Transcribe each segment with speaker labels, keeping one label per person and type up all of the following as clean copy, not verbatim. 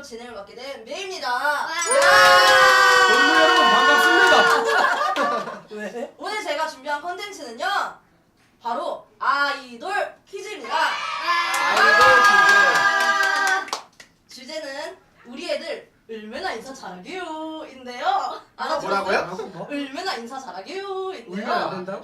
Speaker 1: 진행을 맡게 된 메이입니다.
Speaker 2: 동무 여러분 반갑습니다.
Speaker 3: 왜?
Speaker 1: 오늘 제가 준비한 컨텐츠는요, 바로 아이돌 퀴즈입니다. 주제는 우리 애들 얼마나 인사 잘하게요 인데요.
Speaker 4: 뭐라고요?
Speaker 1: 얼마나 인사 잘하게요
Speaker 2: 울면 안
Speaker 1: 인데요.
Speaker 2: 된다고?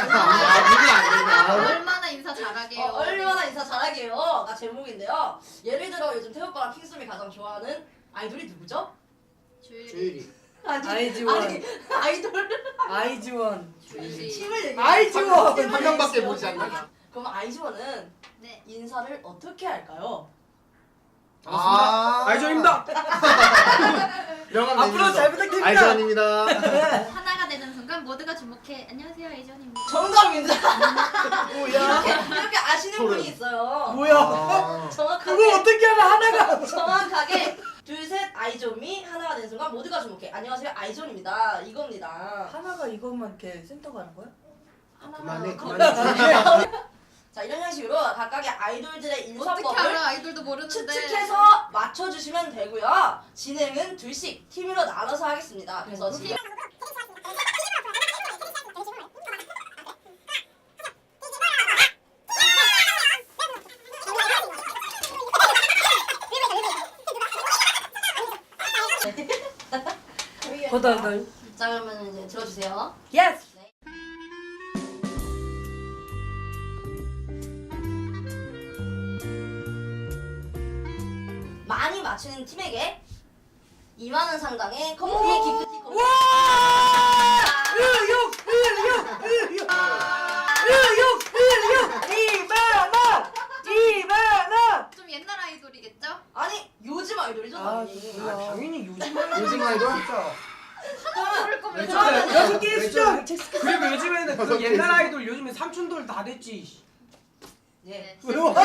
Speaker 5: 얼마나 인사 잘하게요.
Speaker 1: 얼마나 인사 잘하게요가 제목인데요. 예를 들어 요즘 태오빠랑 킹스이 가장 좋아하는 아이돌이 누구죠?
Speaker 4: 주일이.
Speaker 3: 아이즈원.
Speaker 1: 아니, 아이돌
Speaker 3: 아이즈원.
Speaker 1: 팀을 얘기해.
Speaker 3: 아이즈원.
Speaker 1: 팀을
Speaker 4: 한 명밖에
Speaker 1: 얘기해요.
Speaker 4: 보지 않나?
Speaker 1: 그럼 아이즈원은
Speaker 5: 네.
Speaker 1: 인사를 어떻게 할까요?
Speaker 2: 아이전입니다.
Speaker 4: 명함
Speaker 3: 앞으로 잘 부탁드립니다.
Speaker 4: 아이전입니다.
Speaker 5: 하나가 되는 순간 모두가 주목해. 안녕하세요, 에이전입니다.
Speaker 1: 정답입니다.
Speaker 3: 뭐야?
Speaker 1: 이렇게 아시는
Speaker 4: 소름.
Speaker 1: 분이 있어요.
Speaker 3: 뭐야?
Speaker 1: 정확하게
Speaker 3: 그거 어떻게 하나 하나가?
Speaker 1: 정확하게 둘 셋 아이존이 하나가 되는 순간 모두가 주목해. 안녕하세요 아이존입니다. 이겁니다.
Speaker 3: 하나가 이것만 이렇게 센터가 하는 거야?
Speaker 4: 그만해,
Speaker 1: 그만해. 자 이런 형식으로 각각의 아이돌들의
Speaker 5: 어떻게
Speaker 1: 인사법을
Speaker 5: 알아? 아이돌도 모르는데.
Speaker 1: 추측해서 맞춰주시면 되고요. 진행은 둘씩 팀으로 나눠서 하겠습니다. 그래서 지금
Speaker 3: 거덜덜.
Speaker 1: 자 그러면 이제 들어주세요.
Speaker 3: 예스.
Speaker 1: 많이 맞추는 팀에게 2만 원 상당의 컴플리 기프티콘.
Speaker 3: 와! 의욕! 2만 원!
Speaker 5: 좀 옛날 아이돌이겠죠?
Speaker 1: 아니 요즘 아이돌이죠
Speaker 3: 아,
Speaker 1: 당연히.
Speaker 3: 몰라.
Speaker 2: 당연히 요즘
Speaker 4: 요즘 아이돌?
Speaker 2: 진짜.
Speaker 5: 모를 거면
Speaker 1: 그러면은
Speaker 3: 여섯 개의 수정.
Speaker 2: 그리고 요즘에는 그 옛날 아이돌 요즘에 삼촌돌 다 됐지.
Speaker 1: 예.
Speaker 3: 왜 와?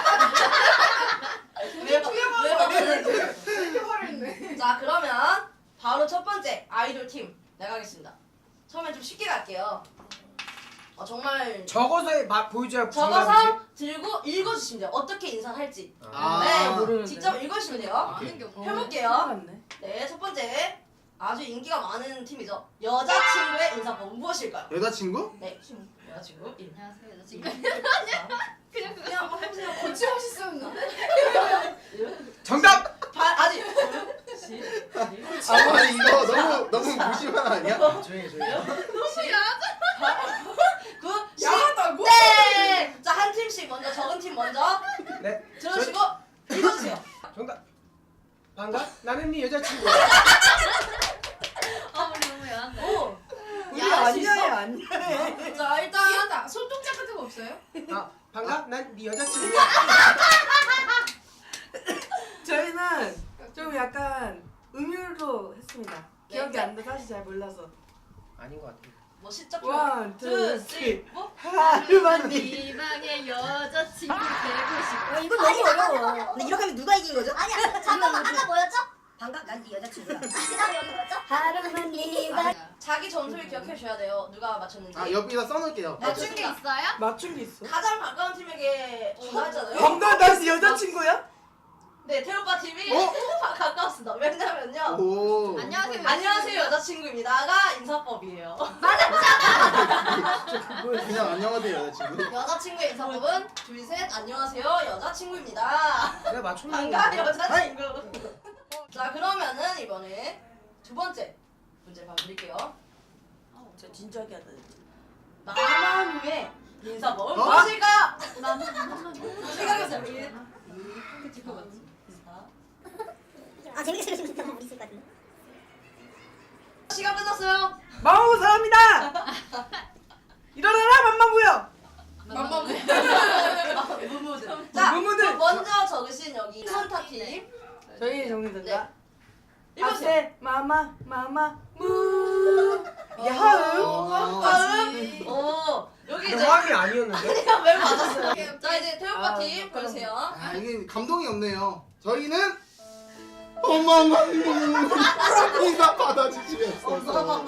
Speaker 1: 자 그러면 바로 첫 번째 아이돌 팀 나가겠습니다. 처음엔 좀 쉽게 갈게요. 정말
Speaker 2: 적어서 보여줘야
Speaker 1: 적어서 들고 읽어주시면 돼요. 어떻게 인사를 할지.
Speaker 4: 아,
Speaker 1: 네,
Speaker 3: 모르는데.
Speaker 1: 직접 읽어주시면 돼요.
Speaker 5: 아는 게 없네.
Speaker 1: 해볼게요. 네, 첫 번째 아주 인기가 많은 팀이죠. 여자친구의 인사법은 무엇일까요?
Speaker 4: 여자친구?
Speaker 1: 네, 여자친구 1.
Speaker 5: 안녕하세요, 여자친구.
Speaker 1: 그냥 해보세요.
Speaker 5: 거침없이 쓰는
Speaker 2: 정답.
Speaker 1: 아직.
Speaker 4: 아니 이거 너무 무심한 아니야?
Speaker 2: 조용히.
Speaker 1: 야하다고? 네! 자, 한 팀씩 먼저, 적은 팀 먼저
Speaker 2: 네.
Speaker 1: 들어주시고 읽어주세요.
Speaker 2: 정답. 반가? 나는 네 여자친구.
Speaker 5: 아, 우리 너무 야한데.
Speaker 1: 오!
Speaker 3: 우리
Speaker 1: 야할 수 있어?
Speaker 3: 아니야, 아니야.
Speaker 1: 자, 일단
Speaker 5: 손동작 같은 거 없어요?
Speaker 2: 아 반가? 난 네 여자친구.
Speaker 3: 저희는 좀 약간 음유로 했습니다. 기억이
Speaker 1: 네.
Speaker 3: 안 나, 사실 잘 몰라서.
Speaker 2: 아닌 것 같아.
Speaker 1: 뭐 시작
Speaker 3: 원, 투, 쓰리.
Speaker 1: 뭐?
Speaker 3: 하루만 니.
Speaker 5: 이 방에 여자친구 되고 싶어.
Speaker 6: 이거 너무 어려워. 근데 이렇게 하면 누가 이긴 거죠? 아니야. 잠깐만 아까 뭐였죠? 방각 난네 여자친구야. 그다음에 여기 뭐였죠? 하루만 네가
Speaker 1: 자기 점수를 기억해 주셔야 돼요. 누가 맞췄는지.
Speaker 4: 아 옆에다 써놓을게요.
Speaker 5: 맞춘 게 있어요?
Speaker 3: 맞춘 게 있어?
Speaker 1: 가장 가까운 팀에게 전화했잖아요.
Speaker 3: 방금 다시 여자친구야?
Speaker 1: 네, 태오빠 팀이 가까웠습니다. 왜냐면요.
Speaker 4: 오.
Speaker 5: 안녕하세요.
Speaker 1: 안녕하세요 여자친구입니다가 인사법이에요.
Speaker 4: 그냥 안녕하세요 여자친구.
Speaker 1: 여자친구의 인사법은 둘 셋 안녕하세요 여자친구입니다.
Speaker 2: 내가 맞췄는
Speaker 1: 반가
Speaker 2: 거.
Speaker 1: 여자친구. 자 그러면은 이번에 두 번째 문제 봐드릴게요.
Speaker 3: 저 진지하게 하다.
Speaker 1: 마마무의 인사법은
Speaker 4: 어?
Speaker 1: 무엇일까?
Speaker 5: 나는
Speaker 1: 생각해보세요.
Speaker 6: 아 재밌게 들으시면 진짜 우리 있을 것 같은데.
Speaker 1: 시간 끝났어요.
Speaker 3: 마오 사람이다. 일어나라 맘마부야.
Speaker 1: 무무들. 자
Speaker 3: 무무들.
Speaker 1: 그럼 먼저 적으신 여기 선타 팀.
Speaker 3: 저희 정리된다.
Speaker 1: 읽어주세요.
Speaker 3: 아세 마마 무. 이게 하음.
Speaker 1: 오 여기
Speaker 2: 근데
Speaker 1: 이제
Speaker 2: 화음이 아니었는데.
Speaker 1: 그냥 왜 맞았어요? 자 이제 태오빠
Speaker 3: 아,
Speaker 1: 팀 보세요.
Speaker 4: 아 이게 감동이 없네요. 저희는 어마마 인사 받아주시면서.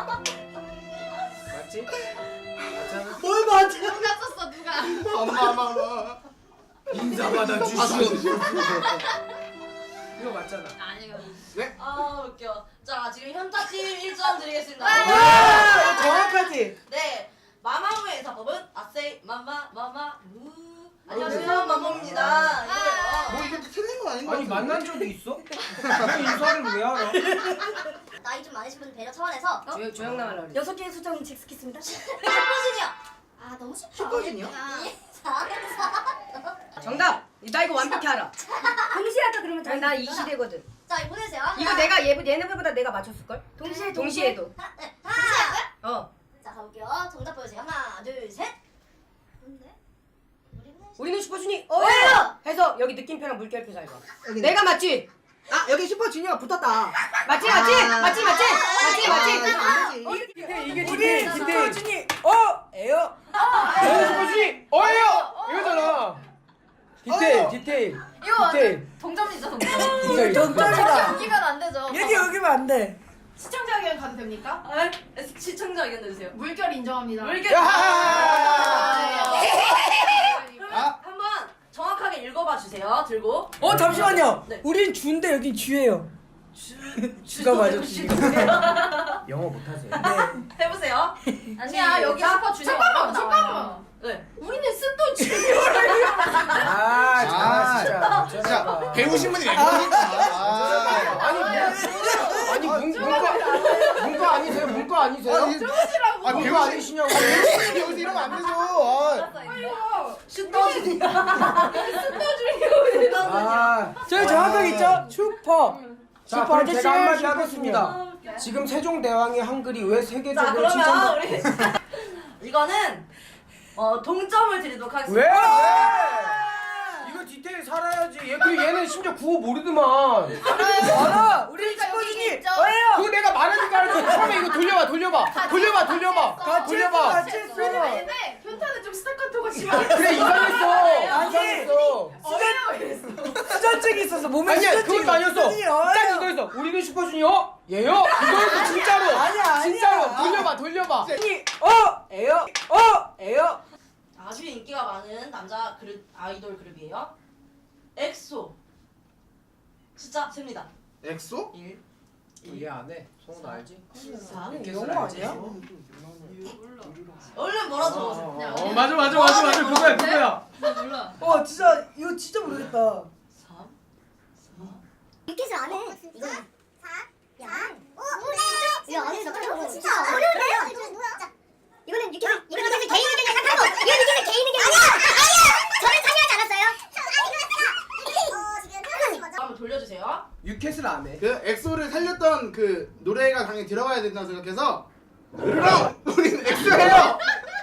Speaker 2: 맞지? 맞잖아.
Speaker 3: 뭘 맞아?
Speaker 5: 누가 썼어, 누가?
Speaker 4: 어마마마
Speaker 2: 인사 받아주시오.
Speaker 4: 받아주시면서.
Speaker 2: 이거 맞잖아.
Speaker 5: 아니요.
Speaker 1: 아 웃겨. 자 지금 현타팀 1점 드리겠습니다.
Speaker 3: 와 정확하지.
Speaker 1: 네. 마마무의 인사법은 아세이 마마 무. 안녕하세요 마마무입니다. 이거예요.
Speaker 4: 뭐 이게 틀린 거 아닌 거
Speaker 2: 아니
Speaker 4: 같은데?
Speaker 2: 만난 적이 있어? 왜 인사를 왜 알아?
Speaker 6: 나이 좀 많으신 분 배려 차원에서
Speaker 3: 조용 나말라 그래.
Speaker 6: 6개의 수정 잭스키스입니다. 슈퍼주니어. 아 너무 쉽다.
Speaker 3: 슈퍼주니어?
Speaker 6: 4,
Speaker 3: 정답. 나 이거 완벽히 알아.
Speaker 6: 동시에 할까 그러면 다
Speaker 3: 나 이 시대거든.
Speaker 6: 자 이거 보내주세요.
Speaker 3: 이거 내가 얘네보다 내가 맞췄을 걸? 동시에도.
Speaker 6: 하나, 네, 동시에 할까요?
Speaker 3: 어.
Speaker 6: 자 가볼게요. 정답 보여주세요. 하나, 둘, 셋. 뭔데?
Speaker 3: 우리는 슈퍼주니.
Speaker 6: 어예요.
Speaker 3: 해서 여기 느낌표랑 물결표 잘 봐. 내가 맞지?
Speaker 7: 아 여기 슈퍼주니어가 붙었다.
Speaker 3: 맞지? 이게
Speaker 7: 우리 슈퍼주니 에요.
Speaker 2: 슈퍼주니 어예요. 이거잖아. 디테일.
Speaker 5: 이거
Speaker 2: 디테일.
Speaker 5: 동점이죠 동점.
Speaker 2: 디테일.
Speaker 7: 정답이다.
Speaker 5: 여기면 안 되죠.
Speaker 7: 여기 여기면 안 돼.
Speaker 5: 시청자 의견 가도 됩니까?
Speaker 1: 시청자 의견 내주세요.
Speaker 5: 물결 인정합니다.
Speaker 1: 물결.
Speaker 2: 야하하하.
Speaker 1: 그러면
Speaker 4: 아.
Speaker 1: 한번 정확하게 읽어봐 주세요. 들고.
Speaker 7: 잠시만요.
Speaker 1: 네.
Speaker 7: 우린 주인데 여긴 쥐예요. 주가 맞아.
Speaker 2: 영어 못하세요?
Speaker 1: 해보세요.
Speaker 5: 아니야 여기 슈퍼 주니어. 잠깐만.
Speaker 1: 네.
Speaker 5: 우리는 쓴돈 주니어.
Speaker 4: 진짜 배우신 분이 왜 그러니까.
Speaker 2: 아니 문과 아니세요? 문과 아니세요?
Speaker 4: 아
Speaker 2: 문과 아니시냐고.
Speaker 4: 배우시 이러면 안 되죠.
Speaker 7: 저희 정확하게 있죠? 슈퍼.
Speaker 2: 자,
Speaker 7: 슈퍼
Speaker 2: 그럼
Speaker 7: 아저씨,
Speaker 2: 제가 한마디
Speaker 7: 슈퍼
Speaker 2: 하겠습니다. 지금 세종대왕의 한글이 왜
Speaker 1: 자
Speaker 2: 세계적으로
Speaker 1: 그러면
Speaker 2: 칭찬받...
Speaker 1: 우리 이거는 동점을 드리도록
Speaker 2: 왜?
Speaker 1: 하겠습니다.
Speaker 2: 이거 디테일 살아야지. 그리고 얘는 심지어 구호 모르더만.
Speaker 7: 알아. 우리 슈퍼주니 어예요.
Speaker 2: 그거 내가 말하니까 알았지. 처음에 이거 돌려봐.
Speaker 7: 같이 했어.
Speaker 5: 근데 현타는 좀 스타카토가 심하게.
Speaker 2: 그래 이상했어.
Speaker 7: 아니. 수전증이 있어서 몸에
Speaker 2: 아니야
Speaker 7: 수전증이
Speaker 2: 그것도 아니었어.
Speaker 7: 수전증이 어예요.
Speaker 2: 딱 이거였어. 우리는 슈퍼주니어? 얘요? 이거였어 진짜로.
Speaker 7: 아니야.
Speaker 2: 진짜로 돌려봐.
Speaker 7: 에요.
Speaker 1: 아주 인기가 많은 남자 그룹 아이돌 그룹이에요. 엑소. 숫자 셉니다.
Speaker 4: 엑소?
Speaker 1: 1,
Speaker 2: 얘 안 해. 성훈 알지?
Speaker 1: 4.
Speaker 7: 영어 아니야?
Speaker 1: 얼른 뭐라 적어주세요.
Speaker 2: 맞아 그거야.
Speaker 7: 와 진짜 이거 진짜 모르겠다.
Speaker 1: 3.
Speaker 6: 유켓을 안 해. 이거 4, 야, 5, 6, 이거 안 해서 진짜 어려운데요? 뭐야? 이거는 유켓을 개인 의견 생각하고 이건 유켓을 개인 의견 아니야 저는 참여하지 않았어요.
Speaker 1: 한번 돌려주세요.
Speaker 2: 유켓을 안 해.
Speaker 4: 그 엑소를 살렸던 그 노래가 당연히 들어가야 된다고 생각해서 그럼 우린 엑소예요.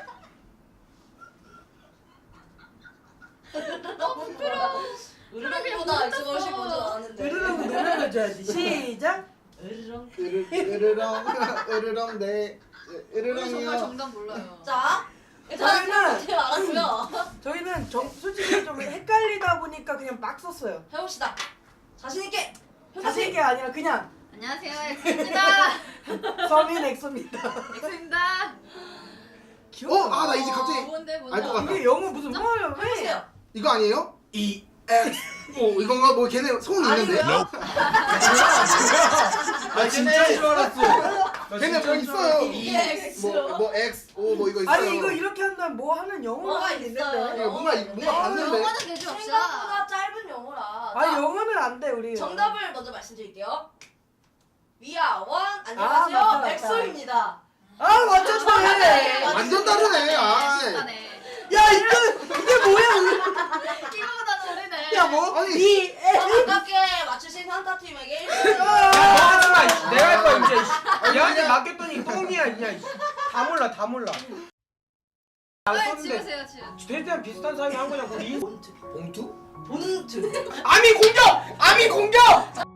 Speaker 1: 으르렁보다 엑소가 훨씬 먼저 나왔는데.
Speaker 7: 으르렁 노래를 줘야지. 시작.
Speaker 1: 으르렁.
Speaker 4: 으르렁 네
Speaker 5: 우리 정말
Speaker 4: 으르렁이요.
Speaker 5: 정답 몰라요.
Speaker 1: 자, 일단
Speaker 7: 저희는-
Speaker 1: 어떻게 알았고요.
Speaker 7: 저희는 솔직히 좀 헷갈리다 보니까 그냥 막 썼어요.
Speaker 1: 해봅시다. 자신 있게.
Speaker 7: 자신 있게 아니라 그냥
Speaker 5: 안녕하세요 엑소입니다.
Speaker 7: 서민 엑소입니다.
Speaker 5: 엑소입니다.
Speaker 4: 나 이제 갑자기
Speaker 5: 뭔데
Speaker 4: 알 것 같아.
Speaker 7: 이게 영어 무슨 뭐예요? 왜?
Speaker 1: 해보세요.
Speaker 4: 이거 아니에요? E X O 이건가? 뭐 걔네 소문 있는데?
Speaker 1: 아니고요.
Speaker 2: 나 진짜인 줄 알았어.
Speaker 4: 걔네 뭐 있어요.
Speaker 1: X.
Speaker 4: 뭐 X O 뭐 이거 있어요.
Speaker 7: 아니 이거 이렇게 한다면 뭐 하는
Speaker 1: 뭐가
Speaker 7: 영어가
Speaker 1: 있어요?
Speaker 7: 있는데.
Speaker 4: 이거 뭔가 봤는데.
Speaker 5: 영어는 되지 맙시다.
Speaker 1: 생각보다 짧은 영어라.
Speaker 7: 아니
Speaker 1: 자,
Speaker 7: 영어는 안 돼 우리.
Speaker 1: 정답을 먼저 말씀드릴게요. 위아원 안녕하세요.
Speaker 7: 맞다.
Speaker 1: 엑소입니다.
Speaker 7: 아 맞췄네.
Speaker 4: 완전 다르네. 아.
Speaker 5: 비슷하네.
Speaker 7: 야 이게 뭐야?
Speaker 5: 이거보다는 오래네.
Speaker 7: 야 뭐?
Speaker 4: 아니.
Speaker 7: 이
Speaker 1: 가깝게 맞추신 산타팀에게 1등.
Speaker 2: 야, 너 하지 마. 내가 할 거야 이제. 얘한테 맡겼더니 똥이야 그냥. 다 몰라. 안
Speaker 5: 왜
Speaker 2: 썼는데
Speaker 5: 지우세요 지금.
Speaker 2: 최대한 비슷한 사람이 한 거냐고.
Speaker 1: 본트.
Speaker 2: 봉투?
Speaker 1: 본트.
Speaker 2: 아미 공격!